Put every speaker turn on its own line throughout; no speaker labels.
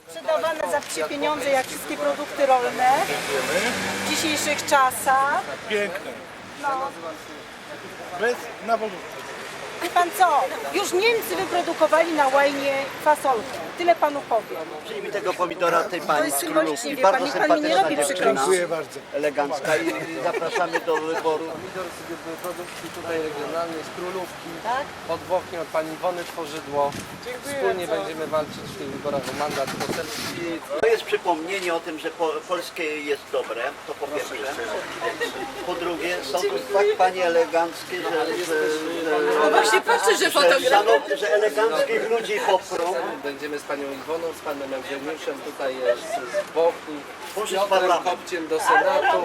Sprzedawane za wsie pieniądze, jak wszystkie produkty rolne w dzisiejszych czasach.
Piękne.
No.
Bez nawodów.
Wie pan co? Już Niemcy wyprodukowali na łajnie fasolkę. Tyle panu powiem.
Przyjmij tego pomidora tej
To
pani
jest
z
symbolicznie,
Królówki.
wie pan,
Bardzo
niech pan mi nie
sympatyczna
robi
dziewczyna.
przykrości.
Dziękuję bardzo.
Elegancka i zapraszamy do wyboru.
Pomidor z produkcji tutaj regionalnej z Królówki,
Tak?
pod Włochnią od pani Iwony Tworzydło. Wspólnie będziemy walczyć w tych wyborach o mandat poselski.
To jest przypomnienie o tym, że polskie jest dobre, to po pierwsze. Po drugie, są to tak panie eleganckie,
No właśnie patrzę, że fotograf.
że eleganckich ludzi poprą.
Będziemy z panią Iwoną, z panem Eugeniuszem tutaj z Bochni, z
Może z
Piotrem
parlamentu.
Kopciem do Senatu.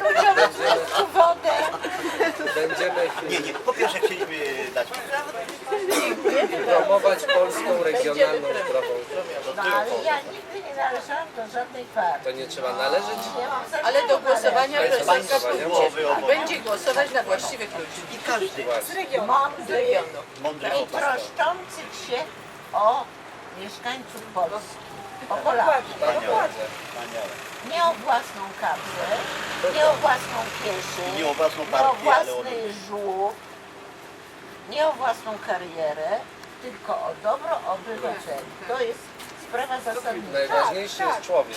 Będziemy
Nie, po pierwsze chcieliśmy dać
promować polską regionalną zdrową.
No ale ja nigdy nie należałam do żadnej partii.
To nie trzeba należeć.
Ale do głosowania
Państwo
prezydentka
głowy obok.
będzie głosować na właściwych ludzi
i każdy
z regionu.
mądry
I
chłopak.
troszczących się o mieszkańców Polski, o Polaków. Nie o własną kapsę, nie o własną kieszeń,
Nie o własną
nie o
partię, ale o
własny żłób, nie o własną karierę, tylko o dobro obywateli. To jest sprawa zasadnicza.
Najważniejszy jest człowiek.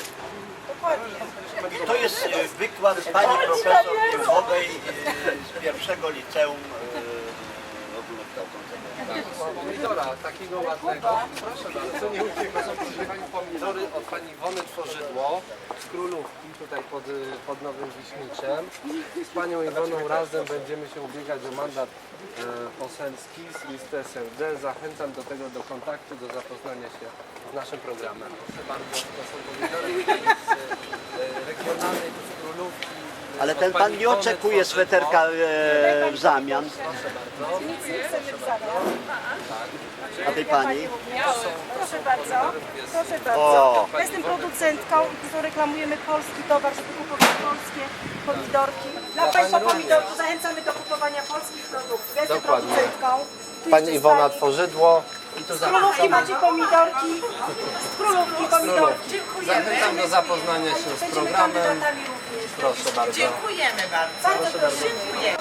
To jest wykład pani profesor Piłkowej z pierwszego liceum ogólnokształcącego.
Pomidora takiego ładnego. Proszę bardzo, nie ucieka. Są proszę pani pomidory od pani Iwony Tworzydło z Królówki, tutaj pod Nowym Wiśniczem. Z panią Iwoną razem będziemy się ubiegać o mandat poselski z listy SLD. Zachęcam do tego, do kontaktu, do zapoznania się z naszym programem. Proszę bardzo, to są pomidory z regionalnej z Królówki.
Ale
od
ten
pani
pan nie
Iwony
oczekuje
Tworzydło.
sweterka w zamian.
Proszę bardzo.
Nic nie chcemy w zamian.
A tej pani?
Proszę bardzo. Proszę
O.
bardzo. Ja jestem producentką i tu reklamujemy polski towar, żeby kupować polskie pomidorki. Dla Państwa pomidorków zachęcamy do kupowania polskich produktów. Ja jestem
Dokładnie.
producentką. Tu
Pani
jeszcze
Iwona
jest
Tworzydło. I tu
Z Królówki macie pomidorki. Z Królówki pomidorki.
Zachęcam do zapoznania się z
Będziemy
programem.
kandydatami również.
Proszę bardzo.
Dziękujemy bardzo.
Bardzo proszę.
Dziękuję.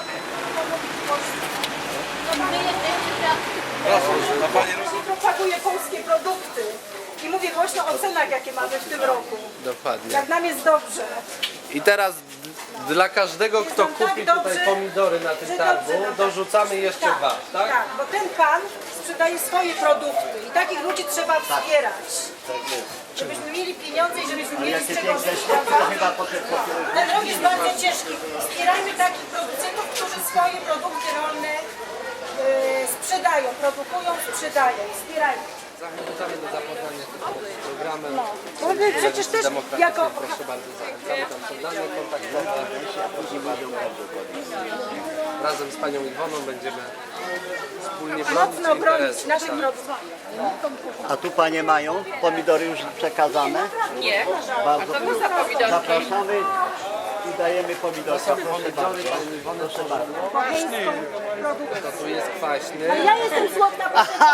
Propaguję polskie produkty i mówię głośno o cenach, jakie mamy w tym roku.
Dokładnie.
Jak nam jest dobrze.
I teraz dla każdego, kto
Jest nam
kupi
tak
tutaj
dobrze,
pomidory na tym
że
targu,
dobrze nam.
dorzucamy jeszcze dwa, tak?
Tak, bo ten pan sprzedaje swoje produkty i takich ludzi trzeba wspierać. Żebyśmy mieli pieniądze i żebyśmy mieli z
Jakie
czego
piękne
żyć,
środki, to
prawda?
chyba potem
Ten rok jest bardzo ciężki. Wspierajmy takich producentów, którzy swoje produkty rolne sprzedają, produkują, sprzedają. Wspierajmy.
Zachęcamy do zapoznania się z programem.
Bo my przecież też
Demokratycznym.
jako...
Proszę bardzo, zachęcamy, tam są dane kontaktowe. Proszę bardzo. Razem z panią Iwoną będziemy wspólnie bronić
Mocno bronić
interesy.
naszych
Tak.
produktów.
A tu panie mają pomidory już przekazane.
Nie.
Bardzo
To za pomidorki.
zapraszamy i dajemy pomidorka. Proszę
Pomidory
bardzo.
pani Iwony Tworzydło. To tu jest kwaśny.
Ja jestem słodna,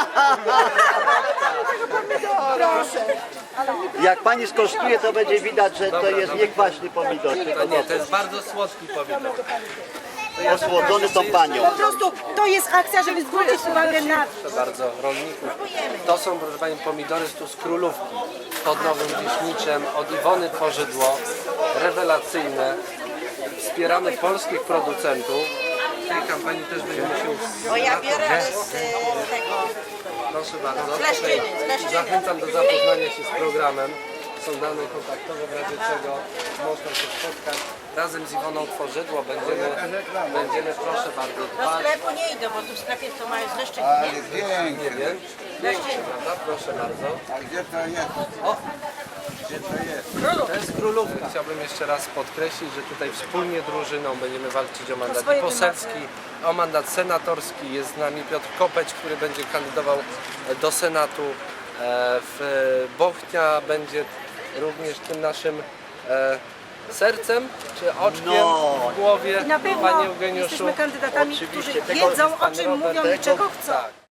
proszę.
Jak pani skosztuje, to będzie widać, że to jest niekwaśny pomidor.
To nie, to jest bardzo słodki pomidor.
Osłodzony tą panią.
Po prostu to jest akcja, żeby zwrócić uwagę na to.
Proszę bardzo, rolników. To są, proszę pani, pomidory tu z Królówki pod Nowym Wiśniczem od Iwony Tworzydło. Rewelacyjne. Wspieramy polskich producentów. W tej kampanii też będziemy się...
Bo ja biorę z tego.
Proszę bardzo.
Z Leszczyny, z Leszczyny.
Zachęcam do zapoznania się z programem. Są dane kontaktowe, w razie czego można się spotkać. Razem z Iwoną Tworzydło będziemy proszę bardzo,
Do
dbać.
sklepu nie idę, bo tu w sklepie to mają z Leszczyny, nie?
Nie wiem. Pięknie, prawda? Proszę bardzo.
A gdzie to jest? Gdzie to jest?
To jest Królówka. Chciałbym jeszcze raz podkreślić, że tutaj wspólnie drużyną będziemy walczyć o mandat
swoje
poselski, o mandat senatorski. Jest z nami Piotr Kopeć, który będzie kandydował do Senatu. Bochnia będzie również tym naszym sercem czy oczkiem w głowie.
I na pewno
Panie Eugeniuszu.
jesteśmy kandydatami,
Oczywiście.
którzy
Tego
wiedzą, o
pan
czym mówią
Robert,
i czego chcą.
Tak.